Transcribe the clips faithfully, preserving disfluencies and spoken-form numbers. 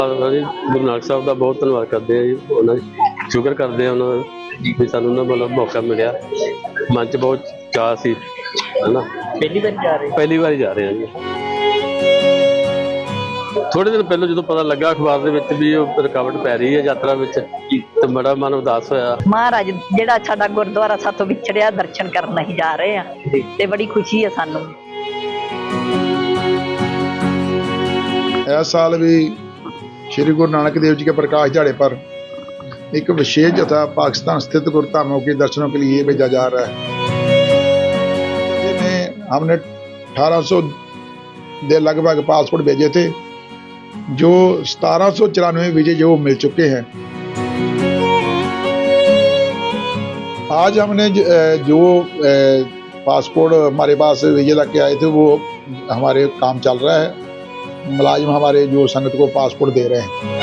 जी गुरु नानक साहब का बहुत धन्यवाद करते हैं जी। उन्होंने शुक्र करते हैं उन्होंने भी सानू ना मतलब मौका मिला। मन च बहुत चाह सी है ना। पहली बार जा रहे पहली बार जा रहे हैं जी। थोड़े दिन पहले जो पता लगा अखबार ਦੇ ਵਿੱਚ ਵੀ ਉਹ ਰੁਕਾਵਟ ਪੈ ਰਹੀ ਹੈ ਯਾਤਰਾ ਵਿੱਚ ਤੇ ਬੜਾ ਮਨ ਉਦਾਸ ਹੋਇਆ। ਮਹਾਰਾਜ ਜਿਹੜਾ ਸਾਡਾ ਗੁਰਦੁਆਰਾ ਸਾਤੋਂ ਵਿਛੜਿਆ ਦਰਸ਼ਨ ਕਰਨ ਅਸੀਂ ਜਾ ਰਹੇ ਆ ਤੇ ਬੜੀ ਖੁਸ਼ੀ ਹੈ ਸਾਨੂੰ। इस साल भी श्री गुरु नानक देव जी के प्रकाश दिहाड़े पर एक विशेष जत्था पाकिस्तान स्थित गुरुधामों के दर्शनों के लिए भेजा जा रहा है। जिसमें हमने अठारह सौ के लगभग पासपोर्ट भेजे थे, जो सतारह सौ चौरानवे वीजे जो मिल चुके हैं। आज हमने जो पासपोर्ट हमारे पास वीजे लग के आए थे वो हमारे काम चल रहा है। मुलाजिम हमारे जो संगत को पासपोर्ट दे रहे हैं।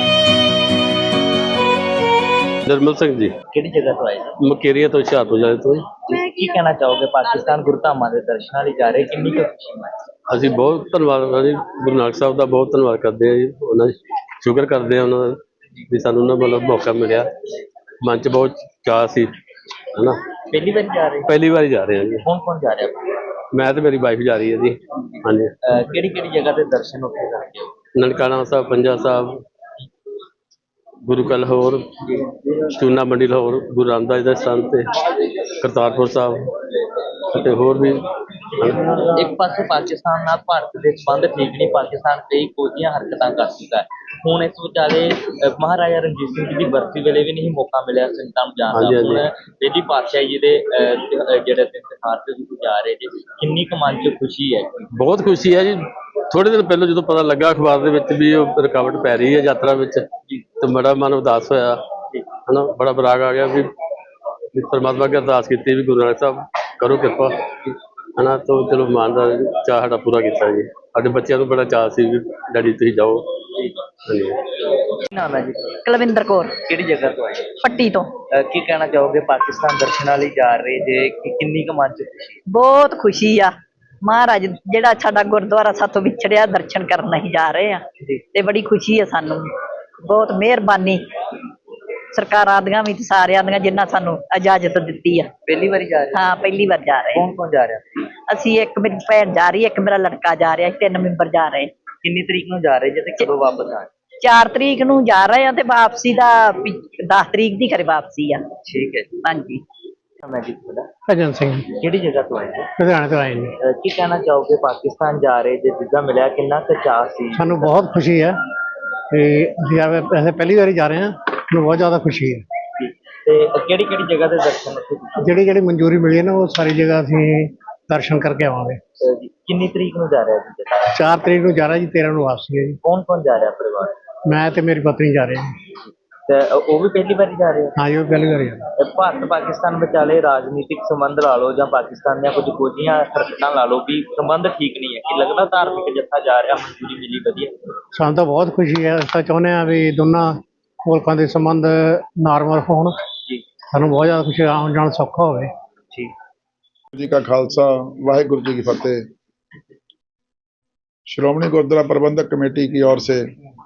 निर्मल सिंह जी ਕਿਹੜੀ ਜਗ੍ਹਾ ਤੋਂ ਆਏ ਜੀ? ਮਕੇਰੀਆ ਤੋਂ ਹੁਸ਼ਿਆਰਪੁਰ ਜਾਏ ਤੋਂ ਜੀ। ਕੀ ਕਹਿਣਾ ਚਾਹੋਗੇ ਪਾਕਿਸਤਾਨ ਗੁਰਧਾਮਾਂ ਦੇ ਦਰਸ਼ਨਾਂ ਲਈ ਜਾ ਰਹੇ, ਕਿੰਨੀ ਕੁ ਖੁਸ਼ੀ ਮਹਿਸੂਸ? ਅਸੀਂ ਬਹੁਤ ਧੰਨਵਾਦ ਹਾਂ ਜੀ ਗੁਰੂ ਨਾਨਕ ਸਾਹਿਬ ਦਾ ਬਹੁਤ ਧੰਨਵਾਦ ਕਰਦੇ ਹਾਂ ਜੀ। ਉਹਨਾਂ ਦਾ ਸ਼ੁਕਰ ਕਰਦੇ ਹਾਂ ਉਹਨਾਂ ਦਾ ਵੀ ਸਾਨੂੰ ਨਾ ਮਤਲਬ ਮੌਕਾ ਮਿਲਿਆ। ਮਨ 'ਚ ਬਹੁਤ ਚਾਅ ਸੀ ਹੈ ਨਾ। ਪਹਿਲੀ ਵਾਰ ਜਾ ਰਹੇ? ਪਹਿਲੀ ਵਾਰੀ ਜਾ ਰਹੇ ਹਾਂ ਜੀ। ਕੌਣ ਕੌਣ ਜਾ ਰਿਹਾ? ਮੈਂ ਤੇ ਮੇਰੀ ਵਾਈਫ ਜਾ ਰਹੀ ਹੈ ਜੀ। ਹਾਂਜੀ। ਕਿਹੜੀ ਕਿਹੜੀ ਜਗ੍ਹਾ ਤੇ ਦਰਸ਼ਨ ਉੱਥੇ ਕਰਦੇ ਹੋ? ਨਨਕਾਣਾ ਸਾਹਿਬ, ਪੰਜਾ ਸਾਹਿਬ, ਗੁਰੂ ਕਾ ਲਾਹੌਰ, ਚੂਨਾ ਮੰਡੀ ਲਾਹੌਰ, ਗੁਰੂ ਰਾਮਦਾਸ ਦਾ ਸਥਾਨ ਤੇ ਕਰਤਾਰਪੁਰ ਸਾਹਿਬ ਅਤੇ ਹੋਰ ਵੀ। ਇੱਕ ਪਾਸੇ ਪਾਕਿਸਤਾਨ ਨਾਲ ਭਾਰਤ ਦੇ ਸੰਬੰਧ ਠੀਕ ਨਹੀਂ, ਪਾਕਿਸਤਾਨ ਕਈ ਕੋਝੀਆਂ ਹਰਕਤਾਂ ਕਰ ਚੁੱਕਾ ਹੈ। ਹੁਣ ਇਸ ਵਿਚਾਲੇ ਮਹਾਰਾਜਾ ਰਣਜੀਤ ਸਿੰਘ ਜੀ ਦੀ ਬਰਸੀ ਵੇਲੇ ਵੀ ਨਹੀਂ ਮੌਕਾ ਮਿਲਿਆ ਸੰਗਤਾਂ ਨੂੰ ਜਾਣ ਦਾ। ਹੁਣ ਬੇਦੀ ਪਾਤਸ਼ਾਹੀ ਜੀ ਦੇ ਜਿਹੜੇ ਤਿਉਹਾਰ ਤੇ ਤੁਸੀਂ ਜਾ ਰਹੇ ਜੀ, ਕਿੰਨੀ ਕੁ ਮਨ 'ਚ ਖੁਸ਼ੀ ਹੈ? ਬਹੁਤ ਖੁਸ਼ੀ ਹੈ ਜੀ। ਥੋੜੇ ਦਿਨ ਪਹਿਲਾਂ ਜਦੋਂ ਪਤਾ ਲੱਗਾ ਅਖਬਾਰ ਦੇ ਵਿੱਚ ਵੀ ਉਹ ਰੁਕਾਵਟ ਪੈ ਰਹੀ ਹੈ ਯਾਤਰਾ ਵਿੱਚ ਤੇ ਬੜਾ ਮਨ ਉਦਾਸ ਹੋਇਆ ਹੈ ਨਾ। ਬੜਾ ਬਰਾਗ ਆ ਗਿਆ ਵੀ ਪਰਮਾਤਮਾ ਅੱਗੇ ਅਰਦਾਸ ਕੀਤੀ ਵੀ ਗੁਰੂ ਨਾਨਕ ਸਾਹਿਬ ਕਰੋ ਕਿਰਪਾ ਹੈ ਨਾ। ਤਾਂ ਚਲੋ ਮਾਨ ਦਾ ਚਾਅ ਸਾਡਾ ਪੂਰਾ ਕੀਤਾ ਜੀ। ਸਾਡੇ ਬੱਚਿਆਂ ਨੂੰ ਬੜਾ ਚਾਅ ਸੀ ਵੀ ਡੈਡੀ ਤੁਸੀਂ ਜਾਓ। ਹਾਂਜੀ। ਕੀ ਨਾਮ ਹੈ ਜੀ? ਕੁਲਵਿੰਦਰ ਕੌਰ, ਕਿਹੜੀ ਜਗ੍ਹਾ ਤੋਂ ਆਏ? ਪੱਟੀ ਤੋਂ। ਕੀ ਕਹਿਣਾ ਚਾਹੋਗੇ ਪਾਕਿਸਤਾਨ ਦਰਸ਼ਨਾਂ ਲਈ ਜਾ ਰਹੇ ਜੇ, ਕਿੰਨੀ ਕੁ ਮਨ 'ਚ ਖੁਸ਼ੀ? ਬਹੁਤ ਖੁਸ਼ੀ ਆ। ਮਹਾਰਾਜ ਜਿਹੜਾ ਸਾਡਾ ਗੁਰਦੁਆਰਾ ਸਾਤੋਂ ਵਿਛੜਿਆ ਦਰਸ਼ਨ ਕਰਨ ਅਸੀਂ ਜਾ ਰਹੇ ਆ ਤੇ ਬੜੀ ਖੁਸ਼ੀ ਹੈ ਸਾਨੂੰ। ਬਹੁਤ ਮਿਹਰਬਾਨੀ ਸਰਕਾਰਾਂ ਦੀਆਂ ਵੀ ਤੇ ਸਾਰਿਆਂ ਦੀਆਂ ਜਿਨ੍ਹਾਂ ਸਾਨੂੰ ਇਜਾਜ਼ਤ ਦਿੱਤੀ ਆ। ਪਹਿਲੀ ਵਾਰੀ ਜਾ ਰਹੇ? ਹਾਂ, ਪਹਿਲੀ ਵਾਰ ਜਾ ਰਹੇ। ਕੌਣ ਕੌਣ ਜਾ ਰਿਹਾ? ਅਸੀਂ, ਇੱਕ ਮੇਰੀ ਭੈਣ ਜਾ ਰਹੀ ਹੈ, ਇੱਕ ਮੇਰਾ ਲੜਕਾ ਜਾ ਰਿਹਾ, ਤਿੰਨ ਮੈਂਬਰ ਜਾ ਰਹੇ। ਕਿੰਨੀ ਤਰੀਕ ਨੂੰ ਜਾ ਰਹੇ ਜੇ ਤੇ ਕਦੋਂ ਵਾਪਸ ਆ? ਚਾਰ ਤਰੀਕ ਨੂੰ ਜਾ ਰਹੇ ਆ ਤੇ ਵਾਪਸੀ ਦਾ ਦਸ ਤਰੀਕ ਦੀ ਘਰੇ ਵਾਪਸੀ ਆ। ਠੀਕ ਹੈ ਜੀ। ਹਾਂਜੀ। ਮੈਂ ਜੀ ਤੁਹਾਡਾ ਭਜਨ ਸਿੰਘ ਕਿਹੜੀ ਜਗ੍ਹਾ ਤੋਂ ਆਏ ਜੀ? ਲੁਧਿਆਣੇ ਤੋਂ ਆਏ ਨੇ। ਕੀ ਕਹਿਣਾ ਚਾਹੋਗੇ ਪਾਕਿਸਤਾਨ ਜਾ ਰਹੇ ਜੇ ਵੀਜ਼ਾ ਮਿਲਿਆ, ਕਿੰਨਾ ਕੁ ਚਾਅ ਸੀ? ਸਾਨੂੰ ਬਹੁਤ ਖੁਸ਼ੀ ਹੈ ਤੇ ਅਸੀਂ ਵੈਸੇ ਪਹਿਲੀ ਵਾਰੀ ਜਾ ਰਹੇ ਹਾਂ। ਮੈਨੂੰ ਬਹੁਤ ਜ਼ਿਆਦਾ ਖੁਸ਼ੀ ਹੈ। ਤੇ ਕਿਹੜੀ ਕਿਹੜੀ ਜਗ੍ਹਾ ਦੇ ਦਰਸ਼ਨ ਉੱਥੇ? ਜਿਹੜੀ ਜਿਹੜੀ ਮਨਜ਼ੂਰੀ ਮਿਲੀ ਹੈ ਨਾ ਉਹ ਸਾਰੀ ਜਗ੍ਹਾ ਅਸੀਂ ਦਰਸ਼ਨ ਕਰਕੇ ਆਵਾਂਗੇ। ਕਿੰਨੀ ਤਰੀਕ ਨੂੰ ਜਾ ਰਿਹਾ ਜੀ? ਚਾਰ ਤਰੀਕ ਨੂੰ ਜਾ ਰਿਹਾ ਜੀ, ਤੇਰਾਂ ਨੂੰ ਵਾਪਸੀ ਹੈ ਜੀ। ਕੌਣ ਕੌਣ ਜਾ ਰਿਹਾ ਪਰਿਵਾਰ? ਮੈਂ ਤੇ ਮੇਰੀ ਪਤਨੀ ਜਾ ਰਹੇ ਹਾਂ। ਤੇ ਉਹ ਵੀ ਪਹਿਲੀ ਵਾਰੀ ਜਾ ਰਹੇ? ਹਾਂ ਜੀ, ਉਹ ਪਹਿਲੀ ਵਾਰੀ ਜਾ ਰਹੇ। ਭਾਰਤ ਪਾਕਿਸਤਾਨ ਵਿਚਾਲੇ ਰਾਜਨੀਤਿਕ ਸੰਬੰਧ ਲਾ ਲਓ ਜਾਂ ਪਾਕਿਸਤਾਨ ਦੀਆਂ ਕੁਝ ਕੋਝੀਆਂ ਹਰਕਤਾਂ ਲਾ ਲਓ ਵੀ ਸੰਬੰਧ ਠੀਕ ਨਹੀਂ ਹੈ, ਕਿ ਲੱਗਦਾ ਧਾਰਮਿਕ ਜੱਥਾ ਜਾ ਰਿਹਾ, ਮਨਜ਼ੂਰੀ ਮਿਲੀ, ਵਧੀਆ? ਸਾਨੂੰ ਤਾਂ ਬਹੁਤ ਖੁਸ਼ੀ ਹੈ। ਅਸੀਂ ਤਾਂ ਚਾਹੁੰਦੇ ਹਾਂ ਵੀ ਦੋਨਾਂ ਮੁਲਕਾਂ ਦੇ ਸੰਬੰਧ ਨਾਰਮਲ ਹੋਣ। ਸਾਨੂੰ ਬਹੁਤ ਜ਼ਿਆਦਾ ਖੁਸ਼ੀ, ਆਉਣ ਜਾਣ ਸੌਖਾ ਹੋਵੇ। ਠੀਕ जी का खालसा वाहिगुरु जी की फतेह। श्रोमणी गुरुद्वारा प्रबंधक कमेटी की ओर से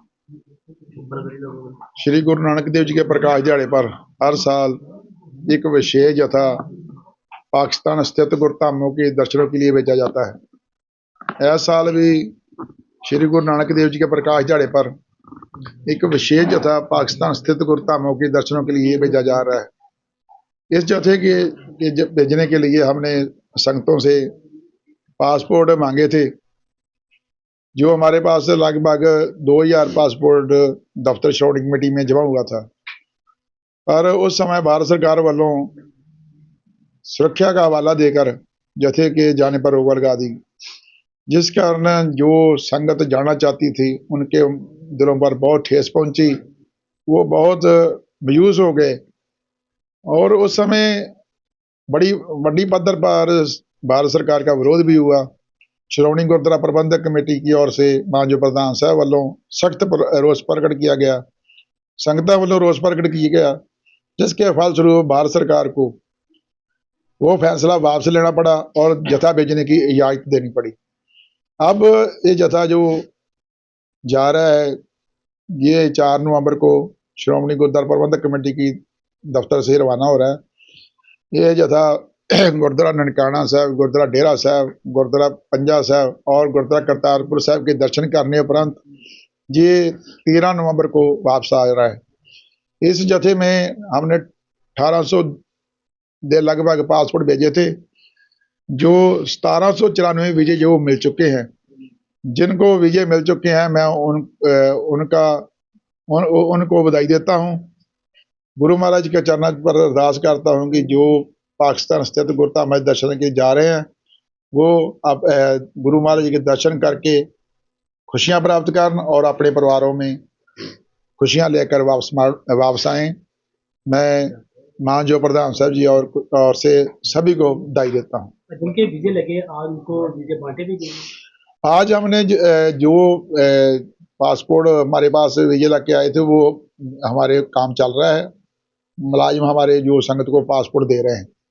श्री गुरु नानक देव जी के प्रकाश दिहाड़े पर हर साल एक विशेष जत्था पाकिस्तान स्थित गुरुधामों के दर्शनों के लिए भेजा जाता है। इस साल भी श्री गुरु नानक देव जी के प्रकाश दिहाड़े पर एक विशेष जत्था पाकिस्तान स्थित गुरुधामों के दर्शनों के लिए भेजा जा रहा है। इस जत्थे के भेजने के लिए हमने संगतों से पासपोर्ट मांगे थे, जो हमारे पास लगभग दो हजार पासपोर्ट दफ्तर श्रोमणी कमेटी में जमा हुआ था। पर उस समय भारत सरकार वालों सुरक्षा का हवाला देकर जत्थे के जाने पर रोक लगा दी, जिस कारण जो संगत जाना चाहती थी उनके दिलों पर बहुत ठेस पहुंची। वो बहुत मायूस हो गए और उस समय बड़ी बड़ी पद्धर पर भारत सरकार का विरोध भी हुआ। श्रोमणी गुरुद्वारा प्रबंधक कमेटी की ओर से मानजो प्रधान साहब वालों सख्त रोष प्रकट किया गया, संगतां वालों रोष प्रकट किया गया, जिसके फलस्वरूप भारत सरकार को वो फैसला वापस लेना पड़ा और जत्था भेजने की इजाजत देनी पड़ी। अब ये जत्था जो जा रहा है ये चार नवंबर को श्रोमणी गुरुद्वारा प्रबंधक कमेटी की दफ्तर से रवाना हो रहा है। ये जथा गुरुद्वारा ननकाना साहब, गुरुद्वारा डेरा साहब, गुरुद्वारा पंजा साहब और गुरुद्वारा करतारपुर साहब के दर्शन करने उपरंत ये तेरह नवंबर को वापस आ रहा है। इस जथे में हमने अठारह सौ के लगभग पासपोर्ट भेजे थे, जो सतारह सौ चौरानवे वीजे जो मिल चुके हैं। जिनको वीजे मिल चुके हैं मैं उन उनका उन, उनको बधाई देता हूँ। गुरु महाराज के चरणों पर अरदास करता हूँ कि जो पाकिस्तान स्थित गुरुधाम दर्शन के जा रहे हैं वो अब गुरु महाराज के दर्शन करके खुशियां प्राप्त करें और अपने परिवारों में खुशियां लेकर वापस वापस आएं। मैं मानजो प्रधान साहब जी और और से सभी को बधाई देता हूँ। जिनके वीजे लगे आज उनको वीजे बांटे भी गए। आज हमने जो पासपोर्ट हमारे पास वीजे लग के आए थे वो हमारे काम चल रहा है। मुलाजिम हमारे जो संगत को पासपोर्ट दे रहे हैं।